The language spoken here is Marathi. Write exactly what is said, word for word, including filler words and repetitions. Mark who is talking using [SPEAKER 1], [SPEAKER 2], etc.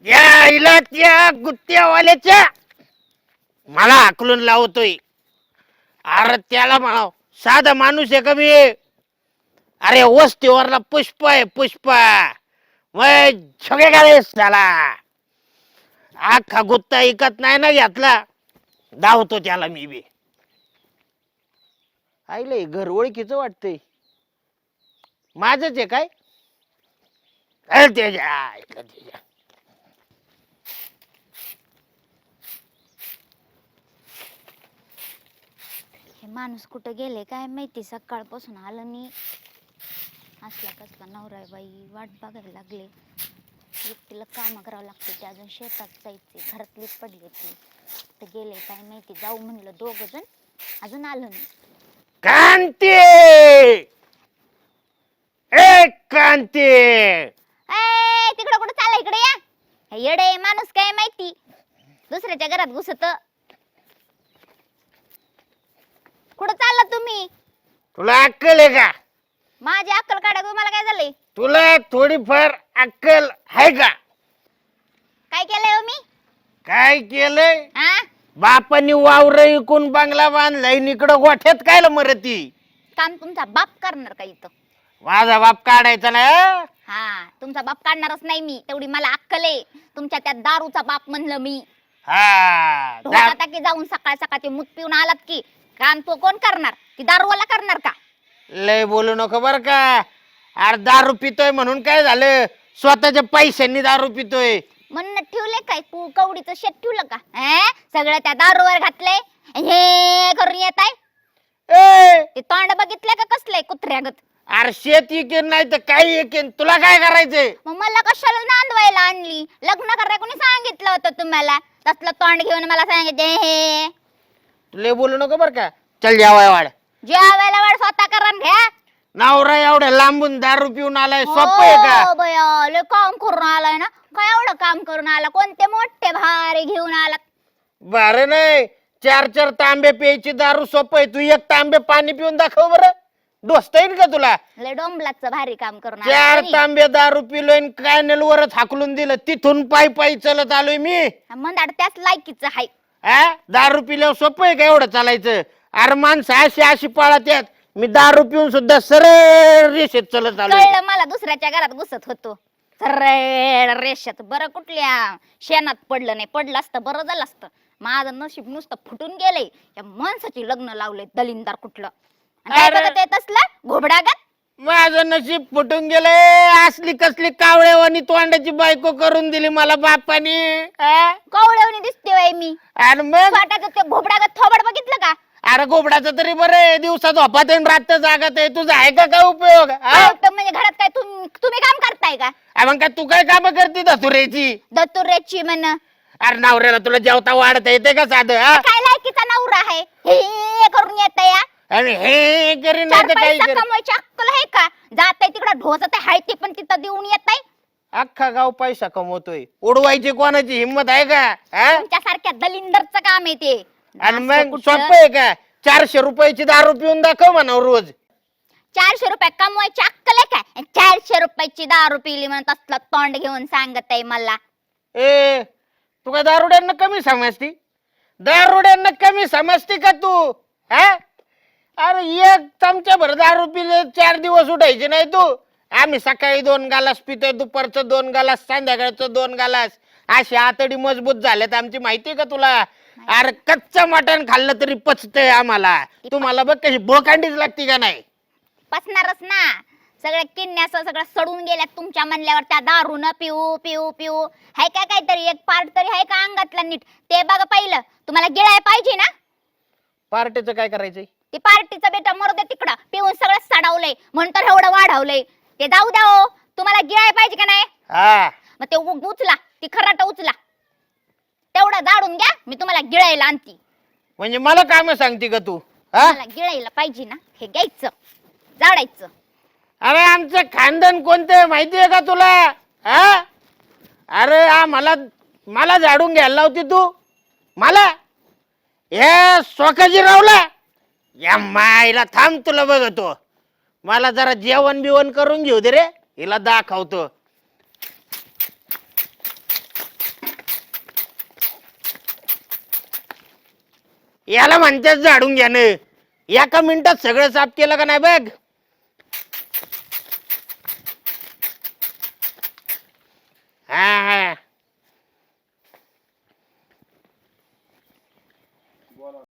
[SPEAKER 1] या इला त्या गुत्त्यावाल्याच्या मला हाकलून लावतोय. अरे त्याला म्हणा साधा माणूस आहे का मी? अरे वस्तीवरला पुष्प आहे पुष्प. मग सगळे गाळेस झाला. अख्खा गुत्ता इकत नाही ना घेतला. धावतो त्याला मी बी. आईले घर ओळखीचं वाटतंय. माझच आहे काय? अरे त्याच्या त्याच्या
[SPEAKER 2] हे माणूस कुठं गेले काय माहिती, सकाळपासून आलं नाही. असला कसला नवरा आहे बाई, वाट बघायला लागले. एकटीला काम करावं लागते, ते अजून शेतात जायचे, घरातलीच पडले ती तर गेले काय माहिती. जाऊ म्हणलं दोघ जण, अजून आलं नाही.
[SPEAKER 1] कांती ए कांती
[SPEAKER 2] ए तिकडं कुठं चालला? इकडे या. हे येडे माणूस काय माहिती दुसऱ्याच्या घरात घुसत. कुठं चालला तुम्ही?
[SPEAKER 1] तुला अक्कल आहे का?
[SPEAKER 2] माझी अक्कल काढा. तुम्हाला काय झालंय?
[SPEAKER 1] तुला थोडीफार अक्कल आहे का?
[SPEAKER 2] काय केलंय हो मी?
[SPEAKER 1] काय केलंय?
[SPEAKER 2] हा
[SPEAKER 1] बापानी वावर इकून बंगला बांधलाय, इकडं गोठ्यात कायला मरती?
[SPEAKER 2] काम तुमचा बाप करणार का इथं?
[SPEAKER 1] माझा बाप काढायचा ना.
[SPEAKER 2] हा तुमचा बाप काढणारच नाही मी, तेवढी मला अक्कल आहे. तुमच्या त्या दारूचा बाप म्हणलं मी.
[SPEAKER 1] हा दा-
[SPEAKER 2] आता की जाऊन सकाळ सकाळ ते मूत पिऊन आलात की काम तो कोण करणार? ती दारूवाला करणार का?
[SPEAKER 1] लय बोलू नको बर का. अरे दारू पितोय म्हणून काय झालं? स्वतःच्या पैशांनी दारू पितोय
[SPEAKER 2] म्हणून ठेवले काय तू कवडीचं शेत ठेवलं का? हे सगळं त्या दारूवर घातलंय. हे करून येत आहे
[SPEAKER 1] ए
[SPEAKER 2] ते तोंड बघितलंय का कसलंय कुत्र्यागत?
[SPEAKER 1] अरे शेत इकेन नाही तर काही इकेन, तुला काय करायचंय?
[SPEAKER 2] मग मला कशाला नांदवायला आणली? लग्न करायला कोणी सांगितलं होतं तुम्हाला? तसलं तोंड घेऊन मला सांगितले हे.
[SPEAKER 1] लय बोलू नको बर का. चल जेवाय वाढ.
[SPEAKER 2] जेवायला वाढ स्वतः करून घ्या.
[SPEAKER 1] नवरा एवढ्या लांबून दारू पिऊन आलाय, सोपं आहे का?
[SPEAKER 2] हो बया, लय काम करून आलाय ना. काय एवढं काम करून आला? कोणते मोठे भारी घेऊन आला?
[SPEAKER 1] बरं नाही, चार चार तांबे प्यायची दारू सोपं आहे. तू एक तांबे पाणी पिऊन दाखव बरं. डोसता येईल का तुला?
[SPEAKER 2] लय डोंबलाचं भारी काम करून
[SPEAKER 1] चार
[SPEAKER 2] आला.
[SPEAKER 1] तांबे दारू पिलोय, कॅनल वरच हाकलून दिलं. तिथून पायी पायी चलत आलोय मी.
[SPEAKER 2] मंदाड त्याच लायकीचं हाय.
[SPEAKER 1] हा दारू पिल्यावर सोपं आहे का एवढं चालायचं? अरे माणसं अशी अशी पाळत यात. मी दारू पिऊन सुद्धा सरळ रेषेत चलत आलोय.
[SPEAKER 2] कळलं मला, दुसऱ्याच्या घरात घुसत होतो सरळ रेषेत. बरं कुठल्या शेणात पडलं नाही. पडलं असतं बरं झालं असतं. माझं नशीब नुसतं फुटून गेलंय. या माणसाची लग्न लावलंय दलिंदार कुठलं. आणि काय
[SPEAKER 1] अरे.
[SPEAKER 2] बघत येत असलं घोबडागत?
[SPEAKER 1] माझं नशीब फुटून गेलंय. असली कसली कावळेवानी तोंडाची बायको करून दिली मला बापानी. हा?
[SPEAKER 2] कवळवणी दिसते वय मी.
[SPEAKER 1] आणि मग
[SPEAKER 2] स्वतःच ते घोबडागत थोबड बघितलं का?
[SPEAKER 1] अरे गोबडाचं तरी बरं आहे, दिवसा झोपात आहे रात्र जागत आहे. तुझा आहे का काय उपयोग? हा?
[SPEAKER 2] काय उपयोग म्हणजे घरात काय तुम- तुम्ही काम करताय का?
[SPEAKER 1] अरे मग काय तू काय काम करते धतुरेची?
[SPEAKER 2] दत्तुरेची म्हण.
[SPEAKER 1] अरे नवऱ्याला तुला जेवता वाढता येते का साधं? हा?
[SPEAKER 2] काय लायकीचा नवरा आहे हे करून येत या?
[SPEAKER 1] आणि हे करीन
[SPEAKER 2] चार
[SPEAKER 1] नाही तर काही
[SPEAKER 2] पैसा
[SPEAKER 1] करीन.
[SPEAKER 2] कमवायची अक्कल आहे का? जात आहे तिकडं ढोसत आहे ते पण तिथं देऊन येत आहे.
[SPEAKER 1] अख्खा गाव पैसा कमवतोय, उडवायची कोणाची हिंमत आहे का? हा?
[SPEAKER 2] तुमच्यासारख्या दलिंदरचं काम आहे ते.
[SPEAKER 1] आणि
[SPEAKER 2] असं
[SPEAKER 1] मग
[SPEAKER 2] कुठलं?
[SPEAKER 1] सोपं आहे का? चारशे रुपयाची दारू पिऊन दाखव म्हणा रोज.
[SPEAKER 2] चारशे रुपये कमवायची अक्कल आहे काय? चारशे रुपयाची दारू पिली म्हणत असलं तोंड घेऊन सांगत आहे मला.
[SPEAKER 1] ए तू काय दारुड्यांना कमी समजती? दारुड्यांना कमी समजती का तू? हा? अरे एक चमचा भर दारू पिले चार दिवस उठायचे नाही तू. आम्ही सकाळी दोन गालास पितोय, दुपारचं दोन गालास, संध्याकाळचं दोन गालास. अशी आतडी मजबूत झाल्यात आमची, माहितीये का तुला? अरे कच्चं मटण खाल्लं तरी पचतंय आम्हाला. तुम्हाला बघ कशी बोकांडीच लागती का नाही?
[SPEAKER 2] पसणारच ना. सगळ्या किडण्याचं सगळं सडून गेल्यात तुमच्या म्हणल्यावर. त्या दारू न पिऊ पिऊ पिऊ हाय का काहीतरी एक पार्ट तरी हाय का अंगातला नीट? ते बघा पहिलं. तुम्हाला गिळाय पाहिजे ना?
[SPEAKER 1] पार्टीचं काय करायचंय?
[SPEAKER 2] ते पार्टीचं बेटा मरू दे तिकडं. पिऊन सगळं सडवलंय म्हणून तर एवढं वाढवलंय. ते जाऊ द्या हो. तुम्हाला गिळाय पाहिजे का नाही?
[SPEAKER 1] हा
[SPEAKER 2] मग ते उ- उचला ती खराट उचला. तेवढं जाडून घ्या, मी तुम्हाला गिळायला आणती.
[SPEAKER 1] म्हणजे मला काम सांगते का तू? हा?
[SPEAKER 2] मला गिळायला पाहिजे ना, हे घ्यायचं जाडायचं.
[SPEAKER 1] अरे आमचं खानदान कोणतं माहितीये का तुला? हा? अरे आ मला मला झाडून घ्यायला लावती तू मला? हे स्वकाजीरावला या माईला थांब, तुला बघतो. मला जरा जेवण बिवण करून घेऊ दे रे, हिला दाखवतो. याला म्हणतेच झाडून घ्यानं. एका मिनिटात सगळं साफ केलं का नाही बघ. हा